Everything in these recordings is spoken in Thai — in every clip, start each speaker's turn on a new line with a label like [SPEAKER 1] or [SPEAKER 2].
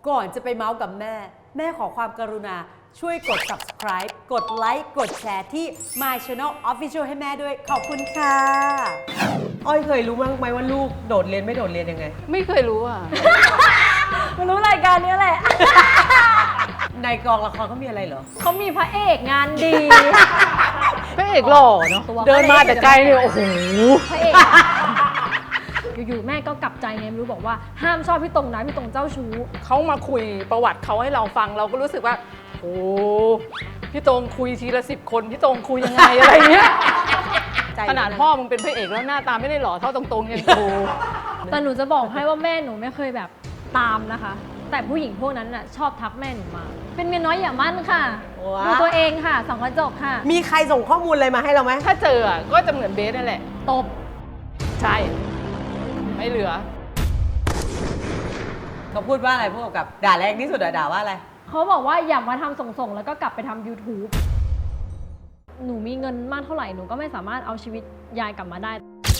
[SPEAKER 1] ก่อนจะไปเมาส์กับแม่ แม่ขอความกรุณาช่วยกด subscribe กดไลค์กดแชร์ที่ My Channel Official ให้แม่ด้วย ขอบคุณค่ะอ้อยเคยรู้มั้งไหมว่าลูกโดดเรียนไม่โดดเรียนยังไง
[SPEAKER 2] ไม่เคยรู้อ่ะ
[SPEAKER 3] มารู้รายการนี้แหละ
[SPEAKER 1] ในกองละครเขามีอะไรเหรอ
[SPEAKER 3] เขามีพระเอกงานดี
[SPEAKER 2] พระเอกหล่อเนาะ
[SPEAKER 3] ตัว
[SPEAKER 2] เดินมาแต่ไกลเนี่ยโอ้โห
[SPEAKER 3] พระเอก อยู่ๆแม่ก็กลับใจไงไม่รู้บอกว่าห้ามชอบพี่ตรงนะพี่ตรงเจ้าชู้
[SPEAKER 2] เขามาคุยประวัติเขาให้เราฟังเราก็รู้สึกว่าโอ้พี่ตรงคุยทีละ10 คนพี่ตรงคุยยังไงอะไรเงี้ยขนาดพ่อมึงเป็นพระเอกแล้วหน้าตาไม่ได้หล่อเท่าตรงๆยังกู
[SPEAKER 3] แต่หนูจะบอกให้ว่าแม่หนูไม่เคยแบบตามนะคะ แต่ผู้หญิงพวกนั้นน่ะชอบทักแม่หนูมา เป็นเมียน้อยอย่ามั่นค่ะ
[SPEAKER 1] ว้า
[SPEAKER 3] ดูตัวเองค่ะส่องกระจกค่ะ
[SPEAKER 1] มีใครส่งข้อมูลอะไรมาให้เราไหม
[SPEAKER 2] ถ้าเจออ่ะก็จะเหมือนเบสนั่นแหละ
[SPEAKER 3] ตบ
[SPEAKER 2] ใช่ ไม่เหลือ
[SPEAKER 1] เขาพูดว่าอะไรพวกกับด่าแรงที่สุดอะด่าว่าอะไร
[SPEAKER 3] เขาบอกว่าอย่ามาทำส่งๆแล้วก็กลับไปทำ YouTube หนูมีเงินมากเท่าไหร่หนูก็ไม่สามารถเอาชีวิตยายกลับมาได้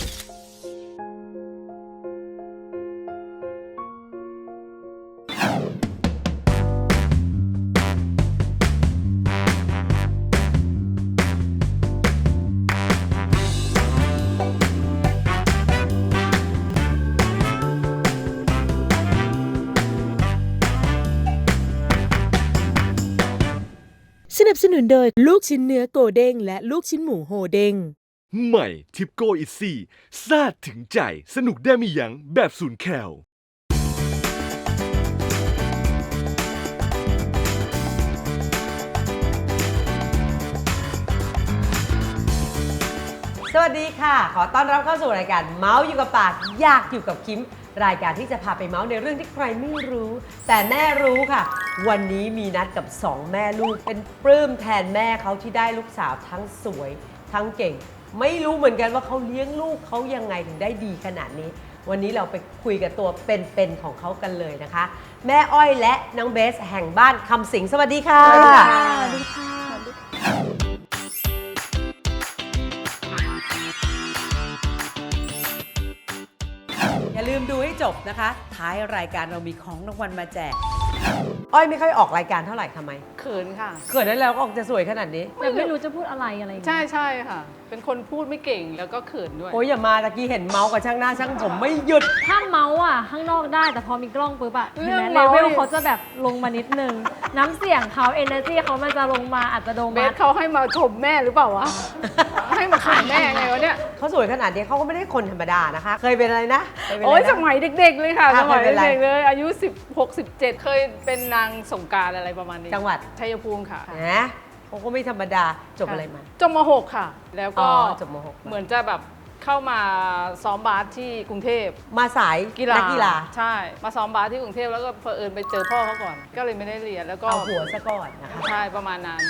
[SPEAKER 4] สนับสนุนโดยลูกชิ้นเนื้อโกเด้งและลูกชิ้นหมูโฮเด้ง
[SPEAKER 5] ใหม่ทิปโก้อิซี่ซาดถึงใจสนุกได้ไม่ยั้งแบบศูนย์แคล
[SPEAKER 1] สวัสดีค่ะ ขอต้อนรับเข้าสู่รายการเมาส์อยู่กับปากอยากอยู่กับคิม รายการที่จะพาไปเมาส์ในเรื่องที่ใครไม่รู้ แต่แม่รู้ค่ะ วันนี้มีนัดกับ 2 แม่ลูกเป็นปลื้มแทนแม่เขาที่ได้ลูกสาวทั้งสวย ทั้งเก่ง ไม่รู้เหมือนกันว่าเขาเลี้ยงลูกเขายังไงถึงได้ดีขนาดนี้ วันนี้เราไปคุยกับตัวเป็นๆของเขากันเลยนะคะ แม่อ้อยและน้องเบสแห่งบ้านคำสิงสวัสดีค่ะ
[SPEAKER 3] สวัสดีค่ะ
[SPEAKER 1] อย่าลืมดูให้จบนะคะ ท้ายรายการเรามีของรางวัลมาแจก อ้อยไม่ค่อยออกรายการเท่าไหร่ทำไม
[SPEAKER 2] เขินค่ะ
[SPEAKER 1] เกิดได้แล้วก็ออกจะสวยขนาดนี้
[SPEAKER 3] แต่ไม่รู้จะพูดอะไรอะไรอย่างเงี้ย
[SPEAKER 2] ใช่ใช่ค่ะ เป็นคนพูดไม่เก่งแล้วก็เขินด้วย
[SPEAKER 1] โอ้ยอย่ามาตะกี้เห็นเมาส์กับช่างหน้าช่างผมไม่หยุด
[SPEAKER 3] ถ้าเมาส์อ่ะข้างนอกได้แต่พอมีกล้องปุ๊บอะเห็นไหม
[SPEAKER 2] เรื่อง
[SPEAKER 3] เล
[SPEAKER 2] เมาส์
[SPEAKER 3] เวลเขาจะแบบลงมานิดนึง น้ำเสียงเขา energy เขามันจะลงมาอาจจะโดน
[SPEAKER 2] เบสเขาให้มาชมแม่หรือเปล่าวะ ให้มาขายแม่ไงวะเนี่ย
[SPEAKER 1] เขาสวยขนาดนี้เขาก็ไม่ได้คนธรรมดานะคะ เคยเป็นอะไรนะเคยเป็น
[SPEAKER 2] โอ้
[SPEAKER 1] อะไร
[SPEAKER 2] ย
[SPEAKER 1] นะ
[SPEAKER 2] สมัยเด็กๆเลยค่ะ
[SPEAKER 1] อ่ะ
[SPEAKER 2] สมัย
[SPEAKER 1] เคยเป็นไร
[SPEAKER 2] เด็กๆเลย อายุ16 17 เคยเป็นนางสงกรานต์อะไรประมาณนี้
[SPEAKER 1] จังหวัด
[SPEAKER 2] ชัยภูมิค่ะ
[SPEAKER 1] นะเขาก็ไม่ธรรมดาจบอะไรมา
[SPEAKER 2] จบม .6 ค่ะ แล้ว
[SPEAKER 1] อ๋
[SPEAKER 2] ก็
[SPEAKER 1] อจบม .6
[SPEAKER 2] เหมือนจะแบบเข้ามาซ้อมบาสที่กรุงเทพ
[SPEAKER 1] มาสาย
[SPEAKER 2] กีฬา
[SPEAKER 1] นักกีฬา
[SPEAKER 2] ใช่ มาซ้อมบาสที่กรุงเทพแล้วก็เผอิญไปเจอพ่อเขาก่อน ก็เลยไม่ได้เรียนแล้วก็
[SPEAKER 1] เอาหัวซะก่อนนะคะ
[SPEAKER 2] ใช่ประมาณนั้น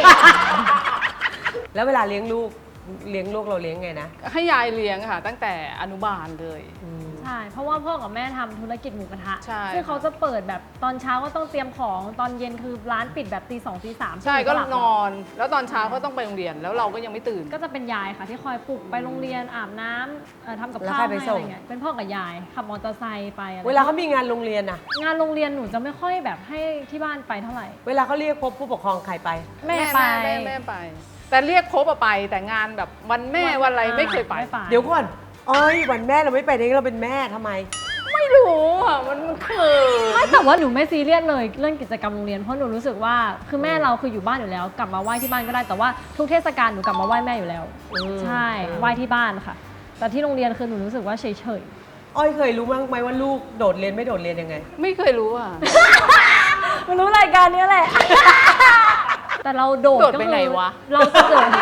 [SPEAKER 1] แล้วเวลาเลี้ยงลูกเราเลี้ยงไงนะ
[SPEAKER 2] ให้ยายเลี้ยงค่ะ ตั้งแต่อนุบาลเลย
[SPEAKER 3] ใช่ เพราะว่าพ่อกับแม่ทำธุรกิจหมูกระทะ
[SPEAKER 2] ใช่
[SPEAKER 3] ซึ่งเขาจะเปิดแบบตอนเช้าก็ต้องเตรียมของตอนเย็นคือร้านปิดแบบตี 2 ตี 3
[SPEAKER 2] ใช่ก็นอน แล้วตอนเช้าก็ต้องไปโรงเรียนแล้วเราก็ยังไม่ตื่น
[SPEAKER 3] ก็จะเป็นยายค่ะที่คอยปลุกไปโรงเรียนอาบน้ำทำกับ
[SPEAKER 1] แล้ว
[SPEAKER 3] ข้าว
[SPEAKER 1] ใครไป
[SPEAKER 3] ให้
[SPEAKER 1] ส่
[SPEAKER 3] อะ
[SPEAKER 1] ง
[SPEAKER 3] ไรเงี้ยเป็นพ่อกับยายขับมอเตอร์ไซค์ไปอะไร
[SPEAKER 1] เวลาเขามีงานโรงเรียนอะ
[SPEAKER 3] งานโรงเรียนหนูจะไม่ค่อยแบบให้ที่บ้านไปเท่าไหร่
[SPEAKER 1] เวลาเขาเรียกพบผู้ปกครองใครไป
[SPEAKER 3] แม่ไป
[SPEAKER 2] แม่ไป แต่เรียกครบอะไป แต่งานแบบวันแม่วันอะไรไม่เคยไป
[SPEAKER 1] เดี๋ยวก่อนอ้อยวันแม่เราไม่ไปได้เราเป็นแม่ทำไม
[SPEAKER 2] ไม่รู้อะมันเขิน
[SPEAKER 3] ไม่แต่ว่าหนูไม่ซีเรียสเลยเรื่องกิจกรรมโรงเรียนเพราะหนูรู้สึกว่าคือแม่เราคืออยู่บ้านอยู่แล้ว กลับมาไหว้ที่บ้านก็ได้แต่ว่าทุกเทศกาลหนูกลับมาไหว้แม่อยู่แล้ว ใช่ไหว้ที่บ้านค่ะ แต่ที่โรงเรียนคือหนูรู้สึกว่าเฉย
[SPEAKER 1] อ้อยเคยรู้มั้งไหมว่าลูกโดดเรียนไม่โดดเรียนยังไง
[SPEAKER 2] ไม่เคยรู้อะ
[SPEAKER 3] ๆมันรู้รายการนี้แหละ แต่เราโดด
[SPEAKER 2] โดด
[SPEAKER 3] ก็
[SPEAKER 2] ไป
[SPEAKER 3] คือ
[SPEAKER 2] ไหนวะ
[SPEAKER 3] เราจะโดด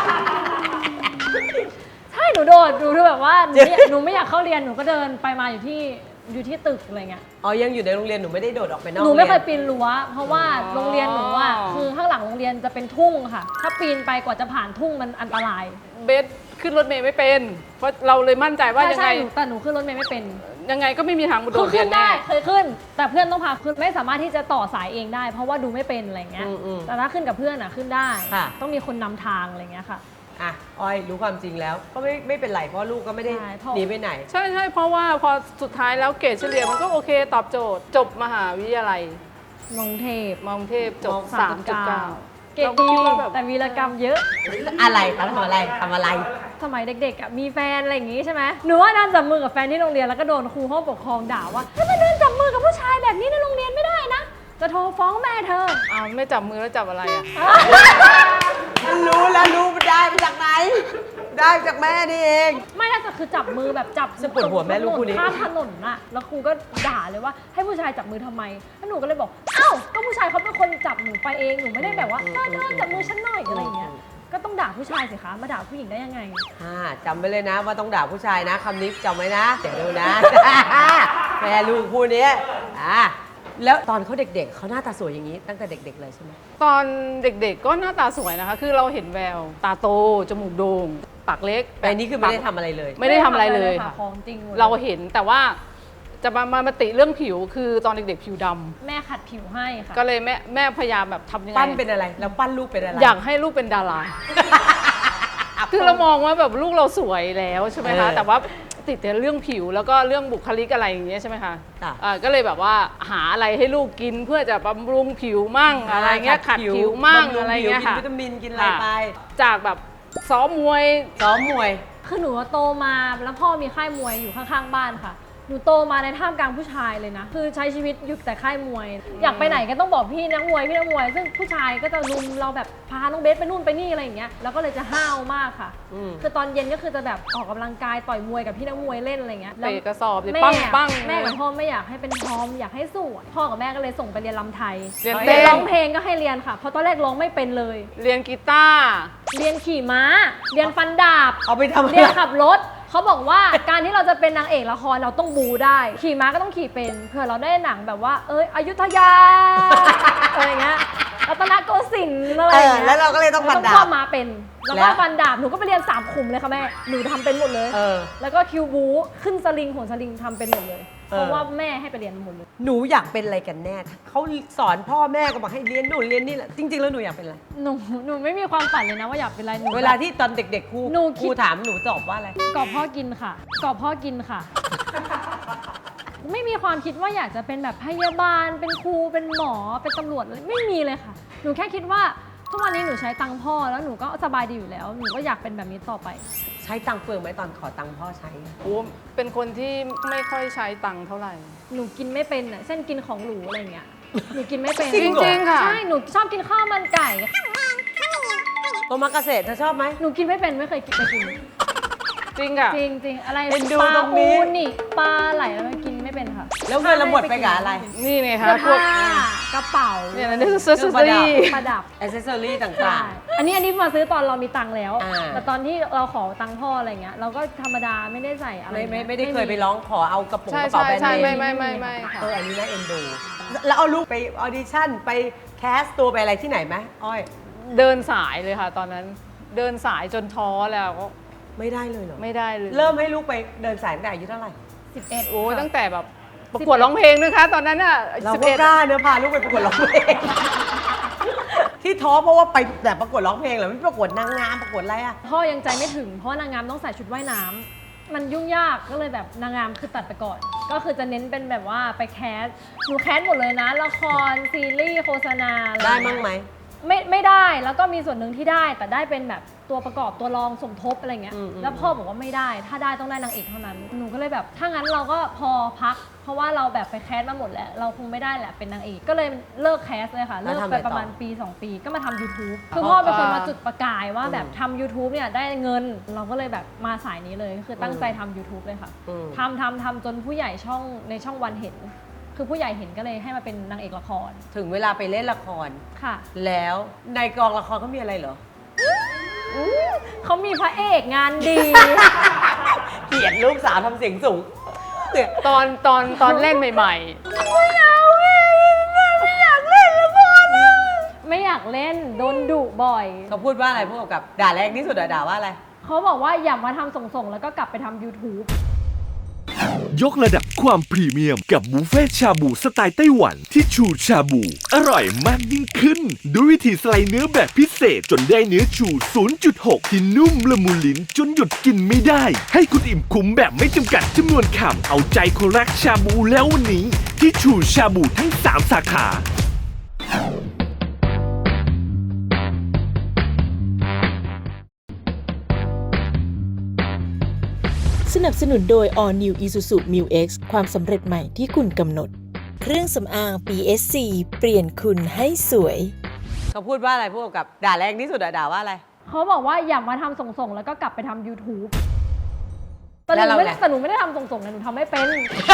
[SPEAKER 3] ใช่หนูโดดหนูคือแบบว่าหนูไม่อยากเข้าเรียนหนูก็เดินไปมาอยู่ที่ตึกอะไรเงี้ย
[SPEAKER 1] อ๋อยังอยู่ในโรงเรียนหนูไม่ได้โดดออกไปนอก
[SPEAKER 3] หนูไม่เคย
[SPEAKER 1] รี
[SPEAKER 3] ปีนรั้วเพราะว่าโรงเรียนหนูอ่ะคือข้างหลังโรงเรียนจะเป็นทุ่งค่ะ ถ้าปีนไปกว่าจะผ่านทุ่งมันอันตราย
[SPEAKER 2] เบสขึ้นรถเมย์ไม่เป็น เพราะเราเลยมั่นใจว่ายังไง
[SPEAKER 3] ใช่แต่หนูขึ้นรถเมล์ไม่เป็น
[SPEAKER 2] ยังไงก็ไม่มีทางโด
[SPEAKER 3] คือ
[SPEAKER 2] ดเรีย
[SPEAKER 3] ขึ้
[SPEAKER 2] น
[SPEAKER 3] น
[SPEAKER 2] แน่
[SPEAKER 3] ได้เคยขึ้น แต่เพื่อนต้องพาขึ้นไม่สามารถที่จะต่อสายเองได้ เพราะว่าดูไม่เป็นอะไรเงี้ย แต่ถ้าขึ้นกับเพื่อนอ่ะขึ้นได้ ต้องมีคนนำทางอะไรเงี้ยค่ะ
[SPEAKER 1] อ่ะอ้อยรู้ความจริงแล้วก็ไม่เป็นไรเพราะลูกก็ไม่ได้
[SPEAKER 3] ใช่เพราะ
[SPEAKER 1] หนีไปไหน
[SPEAKER 2] ใช่เพราะว่าพอสุดท้ายแล้วเกรดเฉลี่ยมันก็โอเคตอบโจทย์ จบมหาวิทยาลัย
[SPEAKER 3] มองเทพ
[SPEAKER 2] มองเทพจบ 3.9
[SPEAKER 3] เก่ง
[SPEAKER 2] เราก็
[SPEAKER 3] ดี
[SPEAKER 2] คิดว่าแบบ
[SPEAKER 3] แต่วีรกรรมเยอะ
[SPEAKER 1] อะไรคะทำอะไรทำอะไร
[SPEAKER 3] สมัยเด็กๆอ่ะมีแฟนอะไรอย่างงี้ใช่ไหมหนูว่านั่นจับมือกับแฟนที่โรงเรียนแล้วก็โดนครูห้องปกครองด่าว่าถ้ามาเดินจับมือกับผู้ชายแบบนี้ในโรงเรียนไม่ได้นะ จะโทรฟ้องแม่เธอ
[SPEAKER 2] อ้าวไม่จับมือแล้วจับอะไรอ่ะ
[SPEAKER 1] รู้แล้วรู้มันได้มาจากไหน ได้มาจากแม่นี่เอง
[SPEAKER 3] ไม่น่าจะคือจับมือแบบจับ
[SPEAKER 1] จะปวดหัวแม่ลูกคู่นี้
[SPEAKER 3] ข้ามถนนน่ะแล้วครูก็ด่าเลยว่าให้ผู้ชายจับมือทำไมแล้วหนูก็เลยบอกเอ้าก็ผู้ชายเขาเป็นคนจับหนูไปเองหนูไม่ได้แบบว่าเธอจับมือฉันหน่อยอะไรอย่างเงี้ยก็ต้องด่าผู้ชายสิคะมาด่าผู้หญิงได้ยังไง
[SPEAKER 1] จำไว้เลยนะว่าต้องด่าผู้ชายนะคำนี้จำไว้นะเดี๋ยวดูนะ แม่ลูกคู่นี้แล้วตอนเขาเด็กๆเขาหน้าตาสวยอย่างนี้ตั้งแต่เด็ก ๆเลยใช่ไหม
[SPEAKER 2] ตอนเด็กๆก็หน้าตาสวยนะคะ คือเราเห็นแวว ตาโต จมูกโด่ง ปากเล็ก
[SPEAKER 1] แต่อันนี้คือไม่ได้ทำอะไรเลย
[SPEAKER 2] ไม่ได้ทำอะไรเลย
[SPEAKER 3] ค่ะ
[SPEAKER 2] ค่ะ
[SPEAKER 3] ของจริงหมด
[SPEAKER 2] เราเห็นแต่ว่าจะมาติเรื่องผิวคือตอนเด็กๆผิวดำ
[SPEAKER 3] แม่ขัดผิวให้ค่ะ
[SPEAKER 2] ก็เลยแม่พยายามแบบทำยังไง
[SPEAKER 1] ปั้นเป็นอะไรแล้วปั้นลูกเป็นอะไร
[SPEAKER 2] อยากให้ลูกเป็นดารา คือเรามองว่าแบบลูกเราสวยแล้วใช่ไหมคะ แต่ว่าติดแต่เรื่องผิวแล้วก็เรื่องบุคลิกอะไรอย่างเงี้ยใช่ไหมคะ
[SPEAKER 1] ค่ะ
[SPEAKER 2] ก็เลยแบบว่าหาอะไรให้ลูกกินเพื่อจะบำรุงผิวมั่งอะไรเงี้ยขัดผิวมั่ง
[SPEAKER 1] บำรุ
[SPEAKER 2] อะไรเงี้ย
[SPEAKER 1] กิน
[SPEAKER 2] ค่ะ
[SPEAKER 1] วิตามินกินอะไรไป
[SPEAKER 2] จากแบบซ้อมมวย
[SPEAKER 1] ซ้อมมวย
[SPEAKER 3] คือหนูโตมาแล้วพ่อมีค่ายมวยอยู่ข้างๆบ้านค่ะ หนูโตมาในท่ามกลางผู้ชายเลยนะ คือใช้ชีวิตอยู่แต่ค่ายมวย อยากไปไหนก็ต้องบอกพี่นักมวยพี่นักมวย ซึ่งผู้ชายก็จะลุมเราแบบพาน้องเบสไปนู่นไปนี่อะไรอย่างเงี้ย แล้วก็เลยจะห้าวมากค่ะ คือตอนเย็นก็คือจะแบบออกกำลังกายต่อยมวยกับพี่นักมวยเล่นอะไรเงี้ยแล้ว
[SPEAKER 2] เตะกระสอบเลย
[SPEAKER 3] แม่
[SPEAKER 2] ปั้ง
[SPEAKER 3] แม่กับพ่อไม่อยากให้เป็นทอมอยากให้สวยพ่อกับแม่ก็เลยส่งไปเรียนรำไทย
[SPEAKER 2] เรียน
[SPEAKER 3] เรี
[SPEAKER 2] เต้
[SPEAKER 3] ยน
[SPEAKER 2] น
[SPEAKER 3] ร้องเพลงก็ให้เรียนค่ะ เพราะตอนแรกร้องไม่เป็นเลย
[SPEAKER 2] เรียนกีตาร์
[SPEAKER 3] เรียนขี่ม้า เรียนฟันดาบ
[SPEAKER 1] เอาไปทำอะไร
[SPEAKER 3] เรียนขับรถ เขาบอกว่าการที่เราจะเป็นนางเอกละครเราต้องบูได้ ขี่ม้าก็ต้องขี่เป็นเผื่อเราได้หนังแบบว่า อยุธยา อะไรเงี้ยรัตนโกสินทร์อะไรอย่างเงี้ย
[SPEAKER 1] แล้วเราก็เลยต้องฟันดาบ
[SPEAKER 3] เราเข้ามาเป็น แล้ว
[SPEAKER 1] แล้
[SPEAKER 3] ก็
[SPEAKER 1] ว
[SPEAKER 3] ฟันดาบ หนูก็ไปเรียน3ขุมเลยค่ะแม่ หนูทำเป็นหมดเลย แล้วก็คิวบูขึ้นสลิงโหนสลิงทำเป็นหมดเลย เพราะว่าแม่ให้ไปเรียนหมดเลย
[SPEAKER 1] หนูอยากเป็นอะไรกันแน่เขาสอนพ่อแม่ก็บอกให้เรียนนู่นเรียนนี่แหละจริง ๆ แล้วหนูอยากเป็นอะไร
[SPEAKER 3] หนูไม่มีความฝันเลยนะว่าอยากเป็นอะไรหนู
[SPEAKER 1] เวลาที่ตอนเด็กๆครู
[SPEAKER 3] หนูคิด
[SPEAKER 1] ถามหนูตอบว่าอะไร
[SPEAKER 3] กรอบพ่อกินค่ะกรอบพ่อกินค่ะ ไม่มีความคิดว่าอยากจะเป็นแบบพยาบาล เป็นครู เป็นหมอ เป็นตำรวจอะไรไม่มีเลยค่ะ หนูแค่คิดว่าทุกวันนี้หนูใช้ตังค์พ่อแล้วหนูก็สบายดีอยู่แล้ว หนูก็อยากเป็นแบบนี้ต่อไป
[SPEAKER 1] ใช้ตังค์เฟืองไหมตอนขอตังค์พ่อใช้
[SPEAKER 2] โอ้เป็นคนที่ไม่ค่อยใช้ตังค์เท่าไหร่
[SPEAKER 3] หนูกินไม่เป็นอ่ะเช่นกินของหรูอะไรเงี้ย หนูกินไม่เป็น
[SPEAKER 1] จริงเหรอ
[SPEAKER 2] จริงๆค่ะ
[SPEAKER 3] ใช่ หนูชอบกินข้าวมันไก่
[SPEAKER 1] โตมาเกษตรเธอชอบไหม
[SPEAKER 3] หนูกินไม่เป็นไม่เคยกินไปกิน
[SPEAKER 2] จริงค่ะ
[SPEAKER 3] จริงๆอะไร
[SPEAKER 1] เอ็นดู
[SPEAKER 3] ปลา
[SPEAKER 1] ตรงนี้
[SPEAKER 3] อูนี่ปลาไหลแล้วมันกินไม่เป็นค่ะ
[SPEAKER 1] แล้วเงินเราหมดไปกับอะไร
[SPEAKER 2] นี่ไง
[SPEAKER 3] เสื้
[SPEAKER 2] คะ
[SPEAKER 3] อ
[SPEAKER 2] พวก
[SPEAKER 3] ผ้ากระเป๋า
[SPEAKER 2] เนี่ยนะนี่คือเสื้อ
[SPEAKER 1] เครื่องประดับ
[SPEAKER 3] ประดับ
[SPEAKER 1] อ c เซสซอรี่
[SPEAKER 3] ใช่
[SPEAKER 1] ต่าง
[SPEAKER 3] อันนี้มาซื้อตอนเรามีตังค์แล้ว
[SPEAKER 1] อ่า
[SPEAKER 3] แต่ตอนที่เราขอตังค์พ่ออะไรเงี้ย เราก็ธรรมดาไม่ได้ใส่อะไร
[SPEAKER 1] ๆ ไม่ได้เคยไปร้องขอเอากระปุก
[SPEAKER 2] ใช่
[SPEAKER 1] กระเป๋า
[SPEAKER 2] ใช่
[SPEAKER 1] แบรนด์
[SPEAKER 2] ใช่
[SPEAKER 1] เน
[SPEAKER 2] ไม่
[SPEAKER 1] ม
[SPEAKER 2] ไม่ค่ะ
[SPEAKER 1] อันนี้น่าเอ็นดู แล้วเอาลูกไปออดิชั่นไปแคสตัวไปอะไรที่ไหนไหมอ้อย
[SPEAKER 2] เดินสายเลยค่ะ ตอนนั้นเดินสายจนท้อแล้วก็
[SPEAKER 1] ไม่ได้เลยเหรอ
[SPEAKER 2] ไม่ได้เลย
[SPEAKER 1] เริ่มให้ลูกไปเดินสายตั้งแต่อายุเท่าไหร่
[SPEAKER 3] 11
[SPEAKER 2] โอ้ยตั้งแต่แบบประกวดร้องเพลงด้วยคะตอนนั้นอ่ะ
[SPEAKER 1] เรา
[SPEAKER 2] 11
[SPEAKER 1] ก็กล้าเนื้อะพาลูกไปประกวดร้องเพลง ที่ท้อเพราะว่าไปแต่ประกวดร้องเพลงเหรอไม่ประกวดนางงามประกวดอะไรอะ
[SPEAKER 3] พ่อยังใจไม่ถึง เพราะว่านางงามต้องใส่ชุดว่ายน้ำมันยุ่งยากก็เลยแบบนางงามคือตัดไปก่อน ก็คือจะเน้นเป็นแบบว่าไปแคสหนูแคสหมดเลยนะ ละครซีรีส์โฆษณาอะไร
[SPEAKER 1] ได้
[SPEAKER 3] เงี้ย
[SPEAKER 1] มั้งไหม
[SPEAKER 3] ไม่ได้แล้วก็มีส่วนหนึ่งที่ได้แต่ได้เป็นแบบตัวประกอบตัวรองสมทบอะไรเงี้ย
[SPEAKER 1] อืม
[SPEAKER 3] แล้วพ่อบอกว่าไม่ได้ถ้าได้ต้องได้นางเอกเท่านั้นหนูก็เลยแบบถ้างั้นเราก็พอพัก เพราะว่าเราแบบไปแคสมาหมดแล้วเราคงไม่ได้แหละเป็นนางเอกก็เลยเลิกแคสเลยค่ะ
[SPEAKER 1] แล้
[SPEAKER 3] เลิ
[SPEAKER 1] ว
[SPEAKER 3] ก
[SPEAKER 1] ทำ
[SPEAKER 3] ไป
[SPEAKER 1] อะไรต่อ
[SPEAKER 3] ประมาณปี 2 ปีก็มาทำ YouTube คือพ่อเป็นคนมาจุดประกายว่าแบบทำ YouTube เนี่ยได้เงินเราก็เลยแบบมาสายนี้เลยคือตั้งใจทำ YouTube เลยค่ะ
[SPEAKER 1] อืม
[SPEAKER 3] ทำจนผู้ใหญ่ช่องในช่องวันเห็น คือผู้ใหญ่เห็นก็เลยให้มาเป็นนางเอกละคร
[SPEAKER 1] ถึงเวลาไปเล่นละคร
[SPEAKER 3] ค่ะ
[SPEAKER 1] แล้วในกองละครเขามีอะไรเหรอ
[SPEAKER 3] เขามีพระเอกงานดี
[SPEAKER 1] เกลียดลูกสาวทำเสียงสูงเนี่ย
[SPEAKER 2] ตอนเล่นใหม่
[SPEAKER 3] ไม่อยากเล่นโดนดุบ่อย
[SPEAKER 1] เขาพูดว่าอะไรพวกกับด่าแรงที่สุดอะด่าว่าอะไร
[SPEAKER 3] เขาบอกว่าอย่ามาทำส่งๆ แล้วก็กลับไปทำ YouTube
[SPEAKER 5] ยกระดับความพรีเมียมกับบุฟเฟ่ชาบูสไตล์ไต้หวันที่ชูชาบู อร่อยมากยิ่งขึ้น ด้วยวิธีสไลด์เนื้อแบบพิเศษจนได้เนื้อชู 0.6 ที่นุ่มละมุนลิ้นจนหยุดกินไม่ได้ ให้คุณอิ่มคุ้มแบบไม่จำกัดจำนวนคำเอาใจคนรักชาบูแล้ววันนี้ ที่ชูชาบูทั้ง 3 สาขา
[SPEAKER 4] นับสนุนโดย All New Isuzu Mu X ความสำเร็จใหม่ที่คุณกำหนด เครื่องสำอาง PSC เปลี่ยนคุณให้สวย
[SPEAKER 1] เขาพูดว่าอะไรพวกกับด่าแรงที่สุดอะด่าว่าอะไร
[SPEAKER 3] เขาบอกว่าอย่ามาทำส่งๆแล้วก็กลับไปทำ YouTube แต่
[SPEAKER 1] แล้ว
[SPEAKER 3] ห
[SPEAKER 1] เรา
[SPEAKER 3] นูไม่
[SPEAKER 1] ไง
[SPEAKER 3] ได้แต่หนูไม่ได้ทำส่งๆนะหนูทำไม่เป็น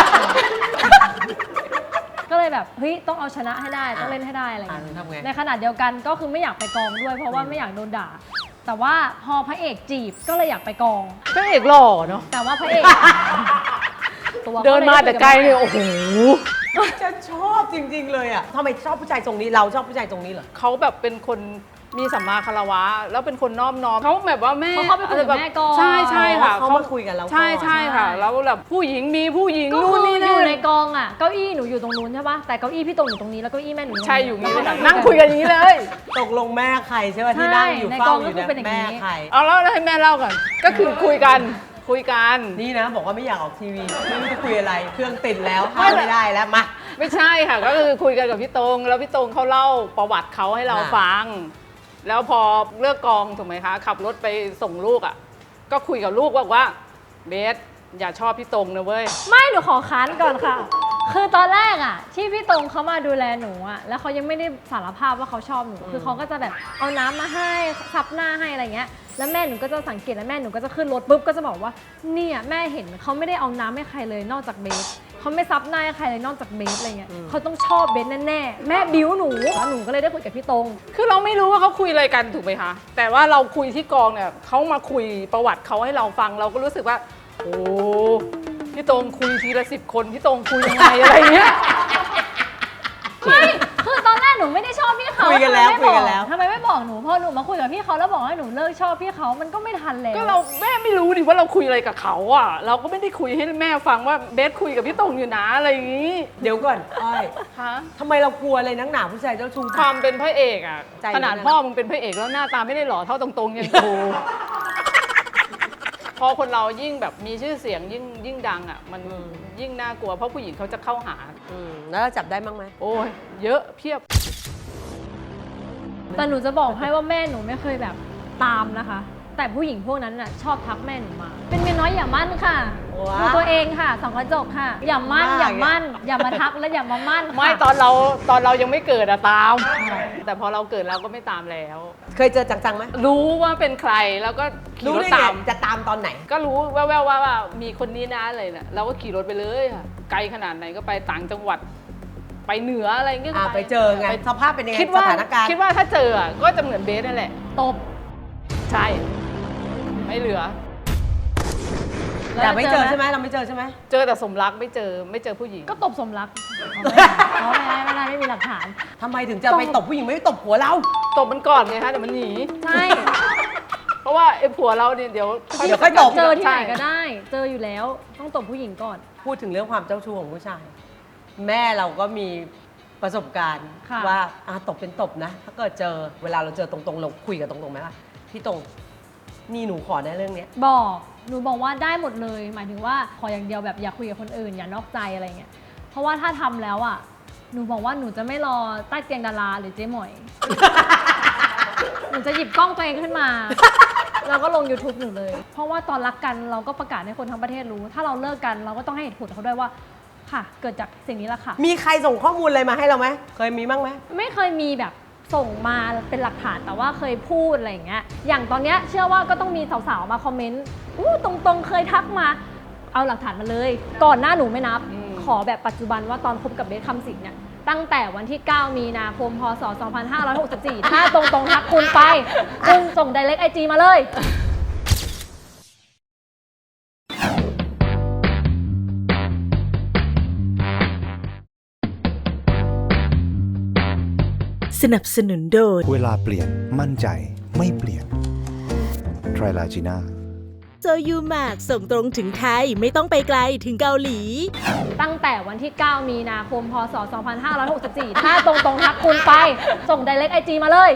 [SPEAKER 3] ก็เลยแบบเฮ้ยต้องเอาชนะให้ได้ต้องเล่นให้ได้อะไรอย่างเงี้ย
[SPEAKER 1] ทำไง
[SPEAKER 3] ในขณะเดียวกันก็คือไม่อยากไปกองด้วย เพราะว่าไม่อยากโดนด่า แต่ว่าพอพระเอกจีบก็เลยอยากไปกอง
[SPEAKER 2] พระเอกหล่อเนาะ
[SPEAKER 3] แต่ว่าพระเอกตัว
[SPEAKER 2] เดินมาแต่ไกลเลยโอ้โห
[SPEAKER 1] จะชอบจริงๆเลยอะทำไมชอบผู้ชายทรงนี้เราชอบผู้ชายทรงนี้เหรอ
[SPEAKER 2] เขาแบบเป็นคนมีสัมมาคารวะ แล้วเป็นคนนอบน้อมเขาแบบว่าแม่
[SPEAKER 3] เพราะเขาไปคุยกับแม่ก่อน
[SPEAKER 2] ใช่ใช่ค่ะ
[SPEAKER 1] เขามาคุยกับเราก่อน
[SPEAKER 2] ใช่ใช่ค่ะ แล้วแบบผู้หญิงมีผู้หญิง
[SPEAKER 3] ก็
[SPEAKER 2] นู่
[SPEAKER 3] คื
[SPEAKER 2] น
[SPEAKER 3] อ
[SPEAKER 2] นี่
[SPEAKER 3] อ
[SPEAKER 2] นั่
[SPEAKER 3] ยู่
[SPEAKER 2] น
[SPEAKER 3] ในกองอ่ะเก้าอี้หนูอยู่ตรงนู้นใช่ปะแต่เก้าอี้พี่ตรงอยู่ตรงนี้แล้วเก้าอี้แม่หนูอยู่ตรงนี้
[SPEAKER 2] ใช่อยู่นี่เลย
[SPEAKER 3] แล้
[SPEAKER 2] ค่ะ
[SPEAKER 3] วก็
[SPEAKER 2] นั่งคุยกันอย่างนี้เลย
[SPEAKER 1] ตกลงแม่ใครใช่ป่ะที่นั่งอยู่
[SPEAKER 3] ใช่
[SPEAKER 1] เฝ้า
[SPEAKER 3] ในกอง
[SPEAKER 1] อยู่
[SPEAKER 3] ก็คือเป็นอย่างนี้
[SPEAKER 1] แม่ใคร
[SPEAKER 2] เอาแล้วให้แม่เล่าก่อนก็คือคุยกันคุยกัน
[SPEAKER 1] นี่นะบอกว่าไม่อยากออกทีวีไม่รู้จะคุยอะไร เครื่องติดแล้วห้ามไม่ได้แล้วมา
[SPEAKER 2] ไม่ใช่ค่ะ ก็คือคุยกันกับพี่ตรงแล้วพี่ตรงเขาเล่าประวัติเขาให้เรา
[SPEAKER 1] อ่า
[SPEAKER 2] ฟัง แล้วพอเลิกกองถูกไหมคะ ขับรถไปส่งลูกอ่ะก็คุยกับลูกว่าเบสอย่าชอบพี่ตรงนะเว้ย
[SPEAKER 3] ไม่หนูขอค้านก่อนค่ะ คือตอนแรกอ่ะที่พี่ตรงเขามาดูแลหนูอ่ะแล้วเขายังไม่ได้สารภาพว่าเขาชอบหนูคือเขาก็จะแบบเอาน้ำมาให้ซับหน้าให้อะไรเงี้ยแล้วแม่หนูก็จะสังเกตแล้วแม่หนูก็จะขึ้นรถปุ๊บก็จะบอกว่าเนี่ยแม่เห็นเขาไม่ได้เอาน้ำให้ใครเลยนอกจากเบสเขาไม่ซับหน้าให้ใครเลยนอกจากเบสอะไรเงี้ยเขาต้องชอบเบสแน่ๆแม่บิ้วหนูแล้วหนูก็เลยได้คุยกับพี่ตรง
[SPEAKER 2] คือเราไม่รู้ว่าเขาคุยอะไรกันถูกไหมคะ แต่ว่าเราคุยที่กองเนี่ยเขามาคุยประวัติเขาให้เราฟังเราก็รู้สึกว่าโอ้พี่ตรงคุยทีละ10 คนพี่ตรงคุยยังไงอะไรเงี้ย
[SPEAKER 3] ไม่คือตอนแรกหนูไม่ได้ชอบพี่เขา
[SPEAKER 1] คุยกันแล้ว
[SPEAKER 3] ทำไมไม่
[SPEAKER 1] คุยกันแล้ว
[SPEAKER 3] ทำไมไม่บอกหนูพอหนูมาคุยกับพี่เขาแล้วบอกให้หนูเลิกชอบพี่เขามันก็ไม่ทันแล้ว
[SPEAKER 2] ก็เราแม่ไม่รู้ดิว่าเราคุยอะไรกับเขาอ่ะเราก็ไม่ได้คุยให้แม่ฟังว่าเบสคุยกับพี่ตรงอยู่นะอะไรอย่างนี้
[SPEAKER 1] เดี๋ยวก่อนอ้อย
[SPEAKER 2] ฮะ
[SPEAKER 1] ทำไมเรากลัวอะไรนักหนาผู้ชายเจ้าชู้
[SPEAKER 2] ความเป็นพระเอกอ่ะ
[SPEAKER 1] ใจ
[SPEAKER 2] ขนาด
[SPEAKER 1] มันนะ
[SPEAKER 2] พ่อมึงเป็นพระเอกแล้วหน้าตาไม่ได้หล่อเท่าตรงๆยังโต พอคนเรายิ่งแบบมีชื่อเสียงยิ่งดังอ่ะมันยิ่งน่ากลัวเพราะผู้หญิงเขาจะเข้าหา
[SPEAKER 1] แล้วเราจับได้บ้างไหม
[SPEAKER 2] โอ้ยเยอะเพียบ
[SPEAKER 3] แต่หนูจะบอกให้ว่าแม่หนูไม่เคยแบบตามนะคะ แต่ผู้หญิงพวกนั้นน่ะชอบทักแม่หนูมา เป็นเมียน้อยอย่ามั่นค่ะ
[SPEAKER 1] ว้า
[SPEAKER 3] ดูตัวเองค่ะสองกระจกค่ะ อย่ามั่นอย่ามั่น อย่ามาทักและอย่ามามั่นค่ะ
[SPEAKER 2] ไม่ตอนเรายังไม่เกิดอะตาม แต่พอเราเกิดเราก็ไม่ตามแล้ว
[SPEAKER 1] เคยเจอจังๆไหม
[SPEAKER 2] รู้ว่าเป็นใครแล้วก็ขี่
[SPEAKER 1] รู้
[SPEAKER 2] รถ
[SPEAKER 1] ได้ไง
[SPEAKER 2] ตาม
[SPEAKER 1] จะตามตอนไหน
[SPEAKER 2] ก็รู้แว่วๆว่ามีคนนี้นะอะไรนะเราก็ขี่รถไปเลยค่ะไกลขนาดไหนก็ไปต่างจังหวัด ไปเหนืออะไรเงี้ยก็
[SPEAKER 1] ไปเจอไง
[SPEAKER 2] ป
[SPEAKER 1] สภาพเป็นยังไง
[SPEAKER 2] คิดว่า
[SPEAKER 1] สถานการณ์
[SPEAKER 2] คิดว่าถ้าเจออะก็จะเหมือนเบสนั่นแหละ
[SPEAKER 3] ตบ
[SPEAKER 2] ใช่ ไม่เหลือ
[SPEAKER 1] แต่ไม่เจอ
[SPEAKER 3] แล้ว
[SPEAKER 1] ใช่ไหมเราไม่เจอใช่ไหม
[SPEAKER 2] เจอแต่สมรักไม่เจอผู้หญิง
[SPEAKER 3] ก็ตบสมรักเอาไม่ได้ไม่มีหลักฐาน
[SPEAKER 1] ทำไมถึงจะไปตบผู้หญิงไม่ตบผัวเรา
[SPEAKER 2] ตบมันก่อนไงคะเดี๋ยวมันหนี
[SPEAKER 3] ใช่
[SPEAKER 2] เพราะว่าไอ้ผัวเราเนี่ยเดี๋ยว
[SPEAKER 1] เดี๋ยวค่อยตบ
[SPEAKER 3] เจอที่ไหนก็
[SPEAKER 2] ใช่
[SPEAKER 3] ได้ เจออยู่แล้วต้องตบผู้หญิงก่อน
[SPEAKER 1] พูดถึงเรื่องความเจ้าชู้ของผู้ชาย แม่เราก็มีประสบการณ์
[SPEAKER 3] ค่ะ
[SPEAKER 1] ว่าตบเป็นตบนะ ถ้าเกิดเจอเวลาเราเจอตรงๆเราคุยกันตรงๆไหมว่าพี่ตรงนี่หนูขอในเรื่องเนี้ย
[SPEAKER 3] บอกหนูบอกว่าได้หมดเลย หมายถึงว่าขออย่างเดียวแบบอย่าคุยกับคนอื่นอย่านอกใจอะไรเงี้ยเพราะว่าถ้าทำแล้วอ่ะหนูบอกว่าหนูจะไม่รอใต้เตียงดาราหรือเจ๊หมอย หนูจะหยิบกล้องตัวเองขึ้นมา แล้วก็ลง YouTube หนูเลย เพราะว่าตอนรักกันเราก็ประกาศให้คนทั้งประเทศรู้ ถ้าเราเลิกกันเราก็ต้องให้เหตุผลเขาด้วยว่าค่ะ เกิดจากสิ่งนี้แหละค่ะ
[SPEAKER 1] มีใครส่งข้อมูลอะไรมาให้เราไหมเคยมีบ้างไหม
[SPEAKER 3] ไม่เคยมีแบบส่งมาเป็นหลักฐานแต่ว่าเคยพูดอะไรอย่างเงี้ย อย่างตอนเนี้ยเชื่อว่าก็ต้องมีสาวๆมาคอมเมนต์อู้ตรงๆเคยทักมา เอาหลักฐานมาเลย ก่อนหน้าหนูไม่นับ ขอแบบปัจจุบันว่าตอนคบกับเบสคำสิงห์เนี่ย ตั้งแต่วันที่ 9 มีนาคม พศ 2564 ถ้าตรงๆทักคุณไป คุณส่ง direct IG มาเลย
[SPEAKER 4] สนับสนุนโดย
[SPEAKER 6] เวลาเปลี่ยนมั่นใจไม่เปลี่ยนไทรลาจีน่า
[SPEAKER 4] โซยูมากส่งตรงถึงไทยไม่ต้องไปไกลถึงเกาหลี
[SPEAKER 3] ตั้งแต่วันที่ 9 มีนาคม พศ 2564 ถ้าตรงๆทักคุณไป ส่ง direct IG มาเลย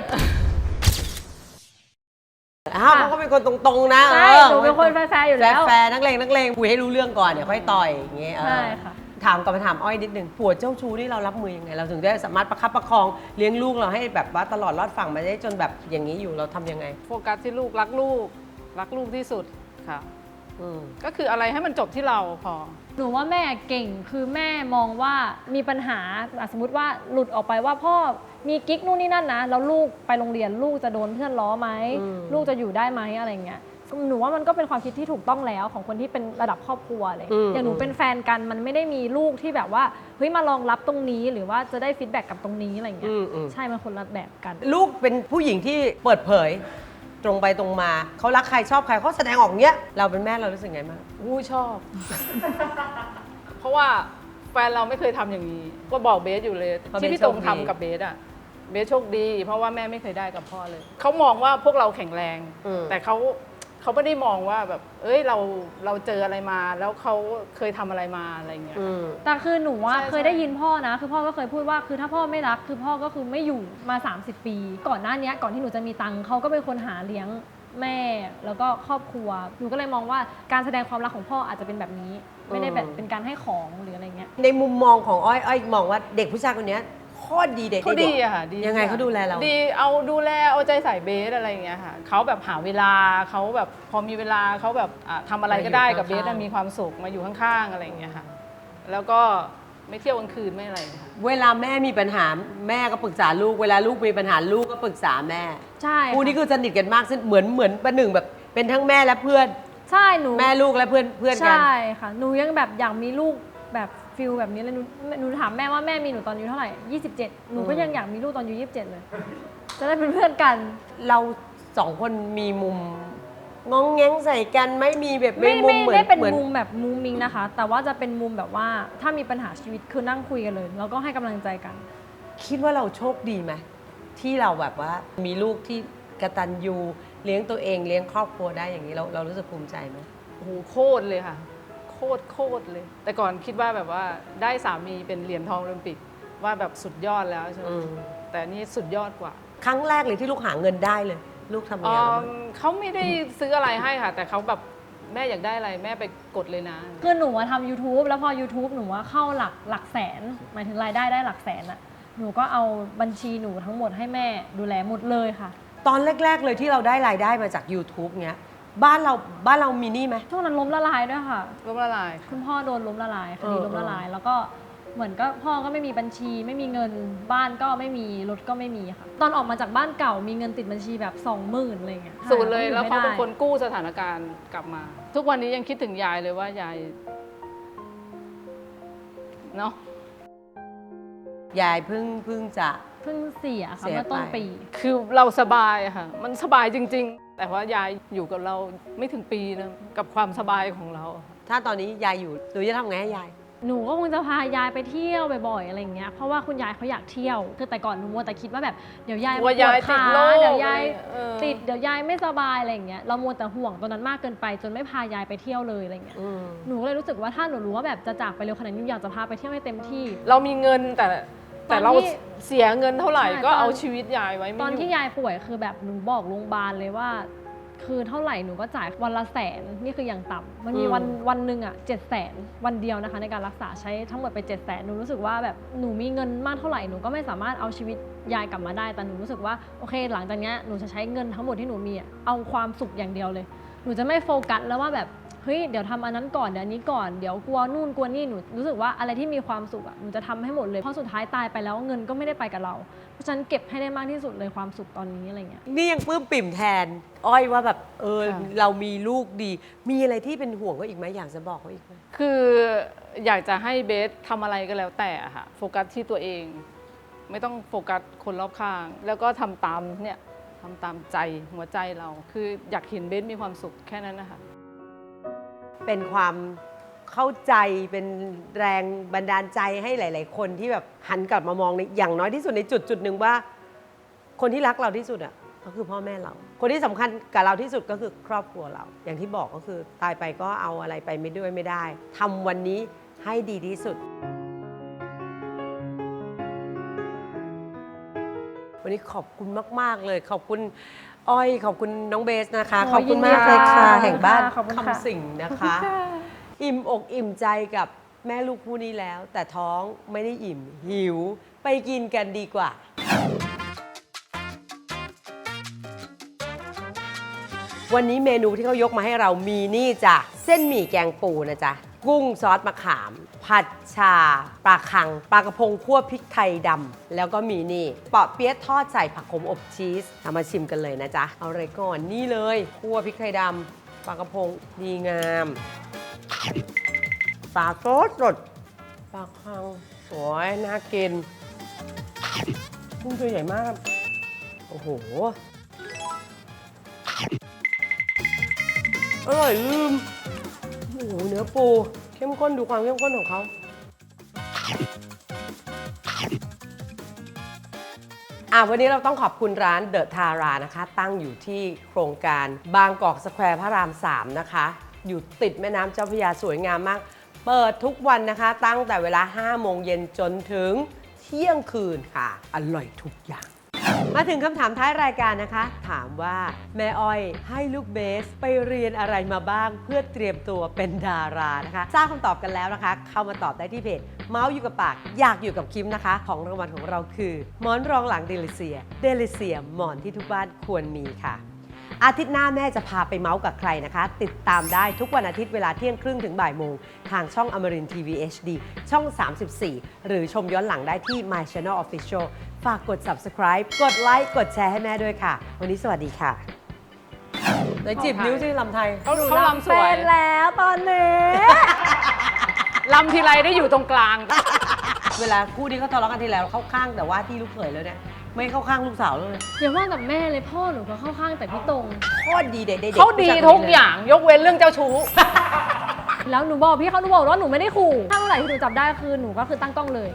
[SPEAKER 1] เขาก็เป็นคนตรงๆนะ
[SPEAKER 3] ใช่หนูเป็นคนแฟร์ๆอยู่แล้ว
[SPEAKER 1] แฟร์ๆนักเลงคุยให้รู้เรื่องก่อนเดี๋ยวค่อยต่อยอย่างเงี้ย
[SPEAKER 3] ใช่ค่ะ
[SPEAKER 1] ถามกลับมาถามอ้อยนิดนึงผัวเจ้าชู้นี่เรารับมือยังไง เราถึงได้สามารถประคับประคองเลี้ยงลูกเราให้แบบว่าตลอดรอดฝั่งมาได้จนแบบอย่างนี้อยู่เราทำยังไง
[SPEAKER 2] โฟกัสที่ลูกรักลูกที่สุดค่ะก็คืออะไรให้มันจบที่เราพอ
[SPEAKER 3] หนูว่าแม่เก่งคือแม่มองว่ามีปัญหาสมมติว่าหลุดออกไปว่าพ่อมีกิ๊กนู่นนี่นั่นนะแล้วลูกไปโรงเรียนลูกจะโดนเพื่อนล้อไหมลูกจะอยู่ได้ไหมอะไรเงี้ยหนูว่ามันก็เป็นความคิดที่ถูกต้องแล้วของคนที่เป็นระดับครอบครัวเลยอย่างหนูเป็นแฟนกันมันไม่ได้มีลูกที่แบบว่าเฮ้ยมารองรับตรงนี้หรือว่าจะได้ฟีดแบ็กกับตรงนี้อะไรเงี้ยใช่มันคนละแบบกัน
[SPEAKER 1] ลูกเป็นผู้หญิงที่เปิดเผยตรงไปตรงมาเขารักใครชอบใครเขาแสดงออกเงี้ยเราเป็นแม่เรารู้สึกไงบ้าง
[SPEAKER 2] ชอบ เพราะว่าแฟนเราไม่เคยทำอย่างนี้ก็บอกเบสอยู่เลยที่พี่ตรงทำกับเบสอะเบสโชคดีเพราะว่าแม่ไม่เคยได้กับพ่อเลยเขามองว่าพวกเราแข็งแรงแต่เขาไม่ได้มองว่าแบบเอ้ยเราเจออะไรมาแล้วเขาเคยทำอะไรมาอะไรเงี้ย
[SPEAKER 3] แต่คือหนูว่าเคยได้ยินพ่อนะคือพ่อก็เคยพูดว่าคือถ้าพ่อไม่รักคือพ่อก็คือไม่อยู่มา30 ปีก่อนหน้านี้ก่อนที่หนูจะมีตังค์เขาก็เป็นคนหาเลี้ยงแม่แล้วก็ครอบครัวหนูก็เลยมองว่าการแสดงความรักของพ่ออาจจะเป็นแบบนี้ไม่ได้แบบเป็นการให้ของหรืออะไรเงี้ย
[SPEAKER 1] ในมุมมองของอ้อยมองว่าเด็กผู้ชายคนนี้โคตรดีเด็ก
[SPEAKER 2] เขาดีอะค่ะดี
[SPEAKER 1] ยังไงเขาดูแลเรา
[SPEAKER 2] ดีเอาดูแลเอาใจใส่เบสอะไรอย่างเงี้ยค่ะเขาแบบหาเวลาเขาแบบพอมีเวลาเขาแบบทำอะไรก็ได้กับเบสมีความสุขมาอยู่ข้างๆอะไรอย่างเงี้ยค่ะแล้วก็ไม่เที่ยวกลางคืนไม่อะไรค่ะ
[SPEAKER 1] เวลาแม่มีปัญหาแม่ก็ปรึกษาลูกเวลาลูกมีปัญหาลูกก็ปรึกษาแม่
[SPEAKER 3] ใช่
[SPEAKER 1] คู่นี้คือสนิทกันมากเหมือนประหนึ่งแบบเป็นทั้งแม่และเพื่อน
[SPEAKER 3] ใช่หนู
[SPEAKER 1] แม่ลูกและเพื่อนกัน
[SPEAKER 3] ใช่ค่ะหนูยังแบบอยากมีลูกแบบฟิลแบบนี้เลยหนูถามแม่ว่าแม่มีหนูตอนอายุเท่าไหร่27หนูก็ยังอยากมีลูกตอนอายุ27เลยจะได้เป็นเพื่อนกัน
[SPEAKER 1] เรา2 คนมีมุมงองแงงใส่กันไม่มีแบบ
[SPEAKER 3] ไม่ได้เป็นมุมแบบมุมมิงนะคะแต่ว่าจะเป็นมุมแบบว่าถ้ามีปัญหาชีวิตคือนั่งคุยกันเลยแล้วก็ให้กำลังใจกัน
[SPEAKER 1] คิดว่าเราโชคดีไหมที่เราแบบว่ามีลูกที่กตัญญูเลี้ยงตัวเองเลี้ยงครอบครัวได้อย่างนี้เรารู้สึกภูมิใจไหม
[SPEAKER 2] โอ้โหโคตรเลยค่ะโคตรเลยแต่ก่อนคิดว่าแบบว่าได้สามีเป็นเหรียญทองโอลิมปิกว่าแบบสุดยอดแล้วใช่ไหมแต่นี่สุดยอดกว่า
[SPEAKER 1] ครั้งแรกเลยที่ลูกหาเงินได้เลยลูกทำยังไง
[SPEAKER 2] เขาไม่ได้ซื้ออะไรให้ค่ะแต่เขาแบบแม่อยากได้อะไรแม่ไปกดเลยนะ
[SPEAKER 3] คือหนูทำ YouTube แล้วพอ YouTube หนูว่าเข้าหลักแสนหมายถึงรายได้หลักแสนอะหนูก็เอาบัญชีหนูทั้งหมดให้แม่ดูแลหมดเลยค่ะ
[SPEAKER 1] ตอนแรกๆเลยที่เราได้รายได้มาจาก YouTube เงี้ยบ้านเรามีหนี้ไหม
[SPEAKER 3] ช่วงนั้นล้มละลายด้วยค่ะ
[SPEAKER 2] ล้มละลาย
[SPEAKER 3] คุณพ่อโดนล้มละลายคดีล้มละลายแล้วก็เหมือนก็พ่อก็ไม่มีบัญชีไม่มีเงินบ้านก็ไม่มีรถก็ไม่มีค่ะตอนออกมาจากบ้านเก่ามีเงินติดบัญชีแบบ 20,000 อะไรเงี้ย
[SPEAKER 2] สูญเลยแล้วเขาเป็นคนกู้สถานการณ์กลับมาทุกวันนี้ยังคิดถึงยายเลยว่ายายเนาะ
[SPEAKER 1] ยายเพิ่ง
[SPEAKER 3] เสียค่ะเมื่อต้นปี
[SPEAKER 2] คือเราสบายค่ะมันสบายจริงๆแต่ว่ายายอยู่กับเราไม่ถึงปีนะกับความสบายของเรา
[SPEAKER 1] ถ้าตอนนี้ยายอยู่หนูจะทำไงให้ยาย
[SPEAKER 3] หนูก็คงจะพายายไปเที่ยวบ่อยๆอะไรอย่างเงี้ยเพราะว่าคุณยายเขาอยากเที่ยวคือแต่ก่อนหนูมัวแต่คิดว่าแบบเดี๋ยวยายปวดขาเดี๋ยวยายติดเดี๋ยวยายไม่สบายอะไรอย่างเงี้ยเรามัวแต่ห่วงตอนนั้นมากเกินไปจนไม่พายายไปเที่ยวเลยอะไรเงี้ยหนูเลยรู้สึกว่าถ้าหนูรู้ว่าแบบจะจากไปเร็วขนาดนี้อยากจะพาไปเที่ยวให้เต็มที่
[SPEAKER 2] เรามีเงินแต่เราเสียเงินเท่าไหร่ก็เอาชีวิตยายไว้
[SPEAKER 3] ตอนที่ยายป่วยคือแบบหนูบอกโรงพยาบาลเลยว่าคือเท่าไหร่หนูก็จ่ายวันละ100,000นี่คืออย่างต่ำมันมีวันหนึ่งอ่ะ700,000วันเดียวนะคะในการรักษาใช้ทั้งหมดไป700,000หนูรู้สึกว่าแบบหนูมีเงินมากเท่าไหร่หนูก็ไม่สามารถเอาชีวิตยายกลับมาได้แต่หนูรู้สึกว่าโอเคหลังจากนี้หนูจะใช้เงินทั้งหมดที่หนูมีเอาความสุขอย่างเดียวเลยหนูจะไม่โฟกัสแล้วว่าแบบเฮ้ยเดี๋ยวทำอันนั้นก่อนเดี๋ยวนี้ก่อนเดี๋ยวกลัวนู่นกลัวนี่หนูรู้สึกว่าอะไรที่มีความสุขอ่ะหนูจะทำให้หมดเลยเพราะสุดท้ายตายไปแล้วเงินก็ไม่ได้ไปกับเราเพราะฉะนั้นเก็บให้ได้มากที่สุดเลยความสุขตอนนี้อะไรเงี้ย
[SPEAKER 1] นี่ยังปลื้มปิ่มแทนอ้อยว่าแบบเรามีลูกดีมีอะไรที่เป็นห่วงเขาอีกไหมอยากจะบอกเขาอีกไหม
[SPEAKER 2] คืออยากจะให้เบสทำอะไรก็แล้วแต่ค่ะโฟกัสที่ตัวเองไม่ต้องโฟกัสคนรอบข้างแล้วก็ทำตามใจหัวใจเราคืออยากเห็นเบสมีความสุขแค่นั้นนะคะ
[SPEAKER 1] เป็นความเข้าใจเป็นแรงบันดาลใจให้หลายๆคนที่แบบหันกลับมามองในอย่างน้อยที่สุดในจุดหนึ่งว่าคนที่รักเราที่สุดอ่ะก็คือพ่อแม่เราคนที่สำคัญกับเราที่สุดก็คือครอบครัวเราอย่างที่บอกก็คือตายไปก็เอาอะไรไปไม่ได้ทำวันนี้ให้ดีที่สุดวันนี้ขอบคุณมากๆเลยขอบคุณอ้อยขอบคุณน้องเบสนะคะขอบคุณมากเลยค่ะแห่งบ้านคำสิงนะคะอิ่มอกอิ่มใจกับแม่ลูกคู่นี้แล้วแต่ท้องไม่ได้อิ่มหิวไปกินกันดีกว่าวันนี้เมนูที่เขายกมาให้เรามีนี่จ้ะเส้นหมี่แกงปูนะจ๊ะกุ้งซอสมะขาม ผัดชาปลาคังปลากระพงคั่วพริกไทยดำแล้วก็มีนี่เปาะเปี๊ยะทอดใส่ผักขมอบชีสเอามาชิมกันเลยนะจ๊ะเอาเลยก่อนนี่เลยคั่วพริกไทยดำปลากระพงดีงามปลาโซดสดปลาคังสวยน่ากินกุ้งตัวใหญ่มากโอ้โหอร่อยลืมโอ้โหเนื้อปูเข้มข้นดูความเข้มข้นของเขาวันนี้เราต้องขอบคุณร้านเดอะทารานะคะตั้งอยู่ที่โครงการบางกอกสแควร์พระราม 3 นะคะอยู่ติดแม่น้ำเจ้าพระยาสวยงามมากเปิดทุกวันนะคะตั้งแต่เวลา 5 โมงเย็นจนถึงเที่ยงคืนค่ะอร่อยทุกอย่างมาถึงคำถามท้ายรายการนะคะถามว่าแม่อ้อยให้ลูกเบสไปเรียนอะไรมาบ้างเพื่อเตรียมตัวเป็นดารานะคะทราบคำตอบกันแล้วนะคะเข้ามาตอบได้ที่เพจเมาส์อยู่กับปากอยากอยู่กับคิมนะคะของรางวัลของเราคือหมอนรองหลังเดลิเซียหมอนที่ทุกบ้านควรมีค่ะอาทิตย์หน้าแม่จะพาไปเมาส์กับใครนะคะติดตามได้ทุกวันอาทิตย์เวลาเที่ยงครึ่งถึงบ่ายโมงทางช่องอมรินทร์ทีวี HD ช่อง 34 หรือชมย้อนหลังได้ที่ My Channel Official ฝากกด subscribe กดไลค์กดแชร์ให้แม่ด้วยค่ะวันนี้สวัสดีค่ะไหนจีบนิ้วที่ลำไทย
[SPEAKER 2] เขาลำสวย
[SPEAKER 3] เป็นแล้วตอนนี้
[SPEAKER 2] ลำทีไรได้อยู่ตรงกลาง
[SPEAKER 1] เวลาคู่ที่เขาทะเลาะกันทีแล้วเข้าข้างแต่ว่าที่ลูกเขยแล้วเนี่ยไม่เข้าข้างลูกสาวเลย
[SPEAKER 3] อย่าว่าแต่แม่เลยพ่อหนูก็เข้าข้างแต่พี่ตรง
[SPEAKER 1] โคตรดีเด็กๆ
[SPEAKER 2] เขาดีทุกอย่างยกเว้นเรื่องเจ้าชู้
[SPEAKER 3] แล้วหนูบอกพี่เขาหนูบอกว่าหนูไม่ได้ขู่ถ้าเมื่อไหร่ที่หนูจับได้คือหนูก็คือตั้งกล้องเลย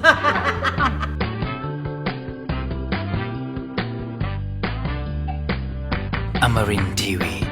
[SPEAKER 7] Amarin Tiwi.